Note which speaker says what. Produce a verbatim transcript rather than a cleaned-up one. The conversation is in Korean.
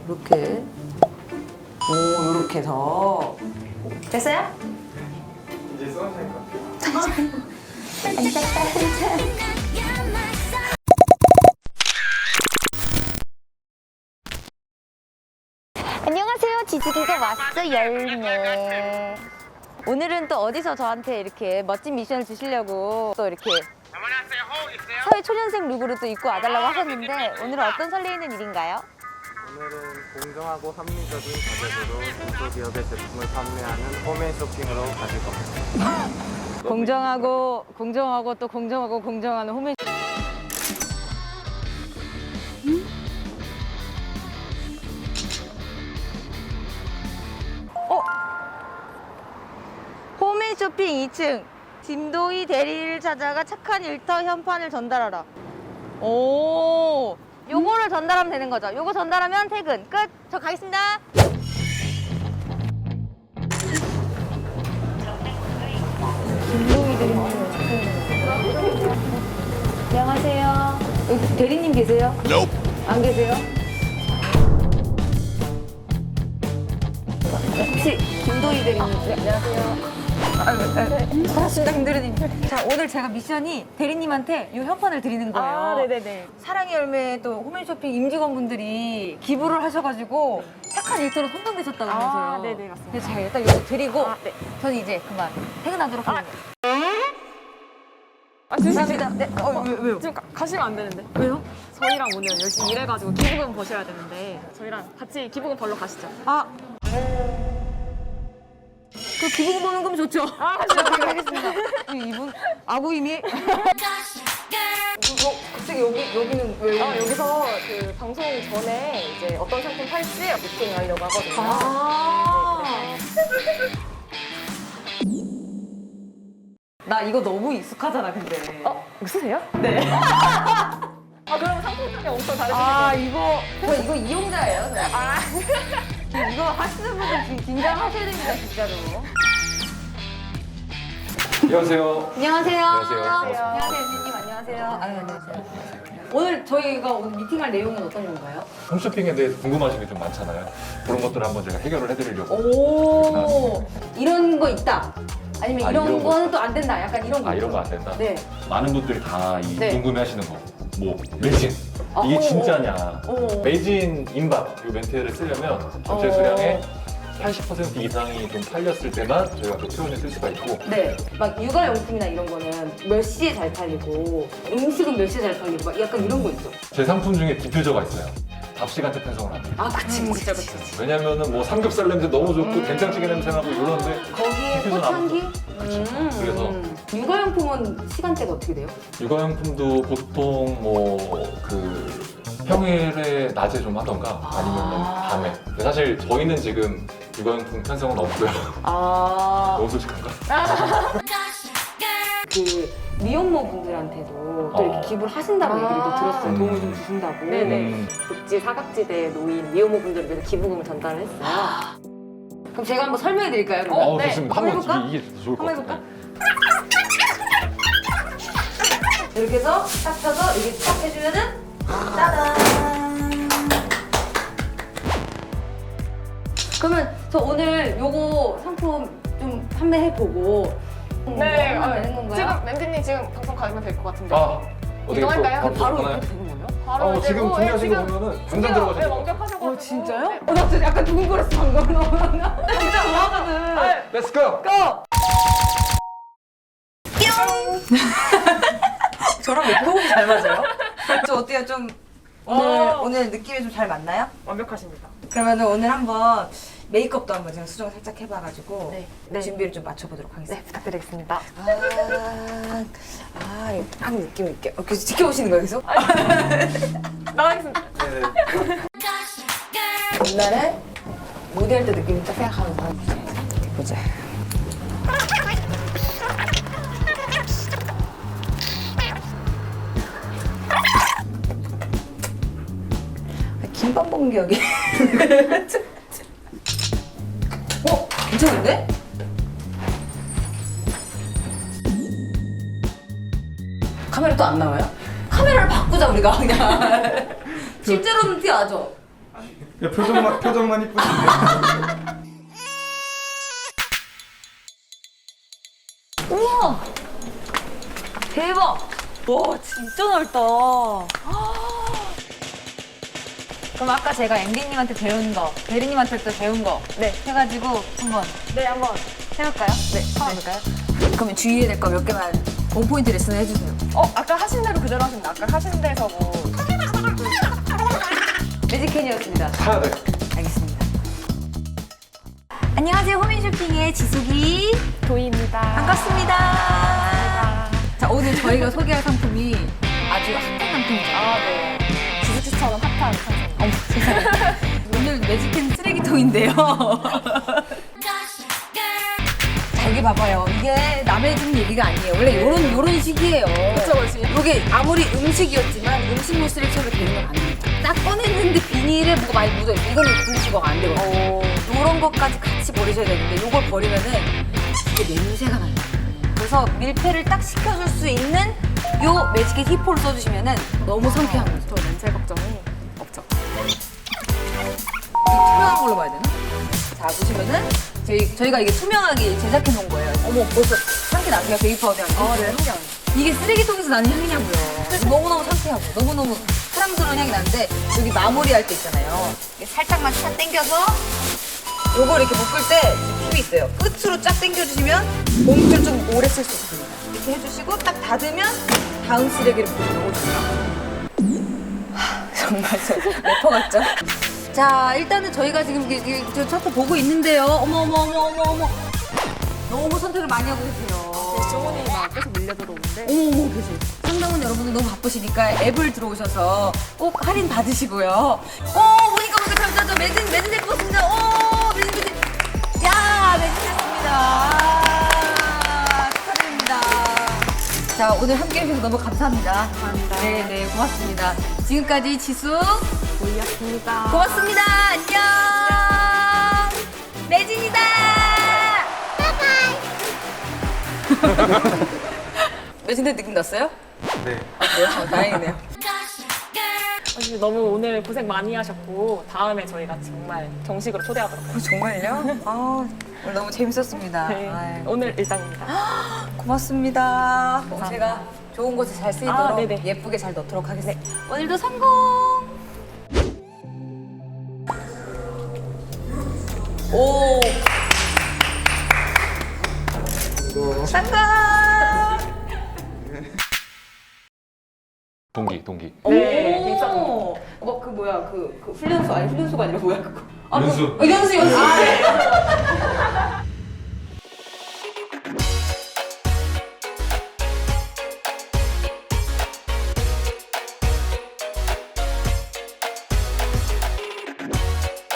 Speaker 1: 이렇게. 오, 이렇게 해서. 됐어요?
Speaker 2: 이제 써주실 것 같아요.
Speaker 3: 안녕하세요. 지지기가 왔어 열매. 오늘은 또 어디서 저한테 이렇게 멋진 미션을 주시려고 또 이렇게 사회 초년생 룩으로 또 입고 와달라고 하셨는데 오늘은 어떤 설레이는 일인가요?
Speaker 2: 오늘은 공정하고 합리적인 가격으로 중소기업의 제품을 판매하는 홈앤 쇼핑으로 가실 겁니다.
Speaker 3: 공정하고 공정하고 또 공정하고 공정하는 홈앤 어? 홈앤 쇼핑 이 층 김도희 대리를 찾아가 착한 일터 현판을 전달하라. 오, 요거를 전달하면 되는 거죠. 요거 전달하면 퇴근 끝. 저 가겠습니다. 김도희 대리님 안녕하세요. 여기 대리님 계세요? 안 계세요? 혹시 김도희 대리님? 네, 안녕하세요. 반갑습니다, 김대리님. 자, 오늘 제가 미션이 대리님한테 이 현판을 드리는 거예요.
Speaker 4: 아, 네네네.
Speaker 3: 사랑의 열매 또 홈앤쇼핑 임직원분들이 기부를 하셔가지고 착한 일터로 선정되셨다면서요.
Speaker 4: 아, 네네, 맞습니다.
Speaker 3: 그래서 제가 일단 이거 드리고
Speaker 4: 아, 네.
Speaker 3: 저는 이제 그만 퇴근하도록 하겠습니다.
Speaker 4: 아, 진짜
Speaker 3: 감사합니다. 네, 어, 왜, 왜요?
Speaker 4: 지금 가, 가시면 안 되는데.
Speaker 3: 왜요?
Speaker 4: 저희랑 오늘 열심히 일해가지고 기부금 버셔야 되는데 저희랑 같이 기부금 벌러 가시죠.
Speaker 3: 아. 그 기부금 버는 거면 좋죠.
Speaker 4: 아,
Speaker 3: 네, 알겠습니다. 이분 아구이미. 어, 갑자기 여기 여기는 왜?
Speaker 4: 아, 여기서 그 방송 전에 이제 어떤 상품 팔지 미팅 하려고 하거든요.
Speaker 3: 아.
Speaker 4: 네,
Speaker 3: 나 이거 너무 익숙하잖아, 근데.
Speaker 4: 어, 이거 쓰세요?
Speaker 3: 네.
Speaker 4: 아, 그럼 상품성이 엄청 다르시겠네요.
Speaker 3: 아, 이거 저 이거 이용자예요. 저. 아. 이거 하시는 분들 지금 긴장하셔야 됩니다, 진짜로.
Speaker 5: 안녕하세요.
Speaker 3: 안녕하세요.
Speaker 5: 안녕하세요.
Speaker 3: 안녕하세요, 엔지님 안녕하세요. 아유, 안녕하세요. 오늘 저희가 오늘 미팅할 내용은 어떤 건가요?
Speaker 5: 홈쇼핑에 대해서 궁금하신 게 좀 많잖아요. 그런 것들을 한번 제가 해결을 해드리려고.
Speaker 3: 오, 이런 거 있다. 아니면
Speaker 5: 아,
Speaker 3: 이런,
Speaker 5: 이런 거
Speaker 3: 거는 또 안 된다. 약간 이런 거.
Speaker 5: 아, 이런
Speaker 3: 있죠?
Speaker 5: 거 안 된다?
Speaker 3: 네.
Speaker 5: 많은 분들이 다 이
Speaker 3: 네.
Speaker 5: 궁금해하시는 거. 뭐 매진.
Speaker 3: 아,
Speaker 5: 이게
Speaker 3: 오,
Speaker 5: 진짜냐.
Speaker 3: 오.
Speaker 5: 매진 임박 이 멘트를 쓰려면 전체
Speaker 3: 오.
Speaker 5: 수량의 팔십 퍼센트 이상이 좀 팔렸을 때만 저희가 그 표현을 쓸 수가 있고.
Speaker 3: 네. 막 육아용품이나 이런 거는 몇 시에 잘 팔리고 음식은 몇 시에 잘 팔리고 막 약간 이런 거 있죠.
Speaker 5: 제 상품 중에 디퓨저가 있어요. 답 시간대 편성을 합니다.
Speaker 3: 아, 그치,
Speaker 4: 음,
Speaker 3: 그치,
Speaker 4: 진짜,
Speaker 3: 그치.
Speaker 4: 그치.
Speaker 5: 왜냐면은 뭐 삼겹살 냄새 너무 좋고
Speaker 3: 음.
Speaker 5: 된장찌개 냄새 나고 이러는데
Speaker 3: 거기에
Speaker 5: 디퓨저는
Speaker 3: 꽃향기?
Speaker 5: 아무것도- 그쵸.
Speaker 3: 음.
Speaker 5: 그래서
Speaker 3: 육아용품은 시간대가 어떻게 돼요?
Speaker 5: 육아용품도 보통 뭐 그 평일에 낮에 좀 하던가 아니면
Speaker 3: 아.
Speaker 5: 밤에. 근데 사실 저희는 지금 육아용품 편성은 없고요.
Speaker 3: 아,
Speaker 5: 너무 솔직한가?
Speaker 3: 그 미혼모 분들한테도 또 이렇게
Speaker 5: 어.
Speaker 3: 기부를 하신다고
Speaker 4: 아.
Speaker 3: 얘기를 또 들었어요.
Speaker 5: 음.
Speaker 3: 도움을 좀 주신다고.
Speaker 4: 네네.
Speaker 5: 음,
Speaker 4: 복지 사각지대에 놓인 미혼모분들을 위해서 기부금을 전달을 했어요.
Speaker 3: 그럼 제가 한번 설명해 드릴까요? 그러면?
Speaker 5: 어,
Speaker 4: 네.
Speaker 5: 좋습니다.
Speaker 3: 한번
Speaker 5: 한번
Speaker 3: 해볼까?
Speaker 5: 이게, 이게 더 좋을 것
Speaker 3: 한번
Speaker 5: 같아요.
Speaker 3: 이렇게 해서 딱 쳐서 이렇게 딱 해주면은 짜잔. 그러면 저 오늘 요거 상품 좀 판매해보고
Speaker 4: 네,
Speaker 3: 하면
Speaker 4: 아,
Speaker 3: 되는 건가요?
Speaker 4: 지금 멘트님 지금 방송 가면 될 것 같은데.
Speaker 5: 아, 어떻게
Speaker 4: 이동할까요?
Speaker 5: 또
Speaker 3: 바로
Speaker 5: 하나요?
Speaker 3: 이렇게 되는 거예요?
Speaker 4: 바로
Speaker 5: 어,
Speaker 4: 이제
Speaker 5: 지금
Speaker 4: 뭐,
Speaker 5: 준비하신
Speaker 4: 예,
Speaker 5: 거
Speaker 4: 지금
Speaker 5: 보면은 당장
Speaker 4: 준비가,
Speaker 5: 들어가시는
Speaker 4: 네,
Speaker 5: 거.
Speaker 4: 완벽하셔가지고.
Speaker 3: 어, 진짜요?
Speaker 4: 네.
Speaker 3: 어, 나 진짜 약간 두근거렸어, 방금. 나 진짜 좋아하거든.
Speaker 4: 아,
Speaker 5: Let's go!
Speaker 3: 고! 저랑 왜 호흡이 잘 맞아요? 저 어때요? 좀 오늘,
Speaker 4: 어.
Speaker 3: 오늘 느낌이 좀 잘 맞나요?
Speaker 4: 완벽하십니다.
Speaker 3: 그러면 오늘 한번 메이크업도 한번 제가 수정 살짝 해봐가지고
Speaker 4: 네. 네.
Speaker 3: 준비를 좀 맞춰보도록 하겠습니다.
Speaker 4: 네, 부탁드리겠습니다.
Speaker 3: 아, 아, 이거 딱 느낌 있게. 어, 계속 지켜보시는 거예요, 계속?
Speaker 4: 나가겠습니다.
Speaker 3: 옛날에 모델 때 느낌 딱 생각하면서 보자. 김밥 먹는 게 여기. 어? 괜찮은데? 카메라 또 안 나와요? 카메라를 바꾸자 우리가 그냥. 실제로는 티 나죠?
Speaker 2: 야, 표정만 표정만 이쁘신데.
Speaker 3: 우와! 대박! 와, 진짜 넓다. 그럼 아까 제가 엠디님한테 배운 거, 대리님한테 또 배운 거
Speaker 4: 네.
Speaker 3: 해가지고 한번
Speaker 4: 네, 한번.
Speaker 3: 해볼까요? 네, 한번 해볼까요? 그러면 주의해야 될 거 몇 개만 원포인트 레슨 해주세요.
Speaker 4: 어, 아까 하신 대로 그대로 하시면 돼. 아까 하신 데서 뭐.
Speaker 3: 매직캔이었습니다.
Speaker 5: 사야 돼.
Speaker 3: 알겠습니다. 안녕하세요. 홈앤쇼핑의 지숙이.
Speaker 4: 도희입니다.
Speaker 3: 반갑습니다. 자, 오늘 저희가 소개할 상품이 아주 핫한 상품이죠.
Speaker 4: 아, 네. 지수씨처럼 핫한 상품.
Speaker 3: 어머, 세상에. 오늘 매직캔 쓰레기통인데요. 자, 이게 봐봐요. 이게 남의 집 얘기가 아니에요. 원래 요런, 요런 식이에요.
Speaker 4: 그쵸, 그치.
Speaker 3: 이게 아무리 음식이었지만 음식물 쓰레기통에 되는 건 아닙니다. 딱 꺼냈는데 비닐에 뭐가 많이 묻어있어요. 이거는 분리수거가 안 되거든요. 요런 것까지 같이 버리셔야 되는데 요걸 버리면은 이게 냄새가 나요. 그래서 밀폐를 딱 시켜줄 수 있는 요 매직캔 히포를 써주시면은 너무 상쾌한 거죠.
Speaker 4: 저 냄새 걱정이 없죠.
Speaker 3: 이 투명한 걸로 봐야 되나? 자, 보시면은 저희, 저희가 이게 투명하게 제작해 놓은 거예요. 어머, 벌써 향기 나세요? 베이비 파우더 향기?
Speaker 4: 아, 네, 향기 안
Speaker 3: 이게 쓰레기통에서 나는 향이냐고요. 너무너무 상쾌하고 너무너무 사랑스러운 향이 나는데 여기 마무리할 때 있잖아요. 이게 살짝만 쫙 당겨서 요걸 이렇게 묶을 때 팁이 있어요. 끝으로 쫙 당겨주시면 봉투를 좀 오래 쓸 수 있습니다. 이렇게 해주시고 딱 닫으면 다음 쓰레기를 넣어주세요. 정말 저 래퍼 같죠? 자, 일단은 저희가 지금 이게, 이게 저 차트 보고 있는데요. 어머 어머 어머 어머 어머 너무 선택을 많이 하고 계세요.
Speaker 4: 주문이 막 계속 밀려 들어오는데.
Speaker 3: 어머 어머 계세요. 상담원 여러분들 너무 바쁘시니까 앱을 들어오셔서 꼭 할인 받으시고요. 어 보니까 보니까 잠깐 저 매진 매진 될 것 같습니다. 오 매진 매진. 야 매진 됐습니다. 아, 축하드립니다. 자 오늘 함께 해주셔서 너무 감사합니다.
Speaker 4: 감사합니다.
Speaker 3: 네네 고맙습니다. 지금까지 지수
Speaker 4: 도희였습니다.
Speaker 3: 고맙습니다. 안녕. 매진이다. 매진대 느낌 났어요?
Speaker 2: 네.
Speaker 3: 아, 그래요? 어, 다행이네요.
Speaker 4: 사실 너무 오늘 고생 많이 하셨고 다음에 저희가 정말 정식으로 초대하도록
Speaker 3: 어,
Speaker 4: 하겠습니다.
Speaker 3: 정말요? 아, 오늘 너무 재밌었습니다.
Speaker 4: 네.
Speaker 3: 아유,
Speaker 4: 오늘 일당입니다.
Speaker 3: 고맙습니다. 꼭
Speaker 4: 감사합니다.
Speaker 3: 제가 좋은 곳에 잘 쓰이도록
Speaker 4: 아, 네네.
Speaker 3: 예쁘게 잘 넣도록 하겠습니다. 오늘도 성공! 오! 성공!
Speaker 5: 동기, 동기.
Speaker 4: 네, 입사
Speaker 3: 오! 뭐, 그 뭐야, 그, 그 훈련소, 아니 훈련소가 아니라 뭐야, 그거. 아,
Speaker 5: 연수.
Speaker 3: 그, 어, 연수, 연수. 아, 네.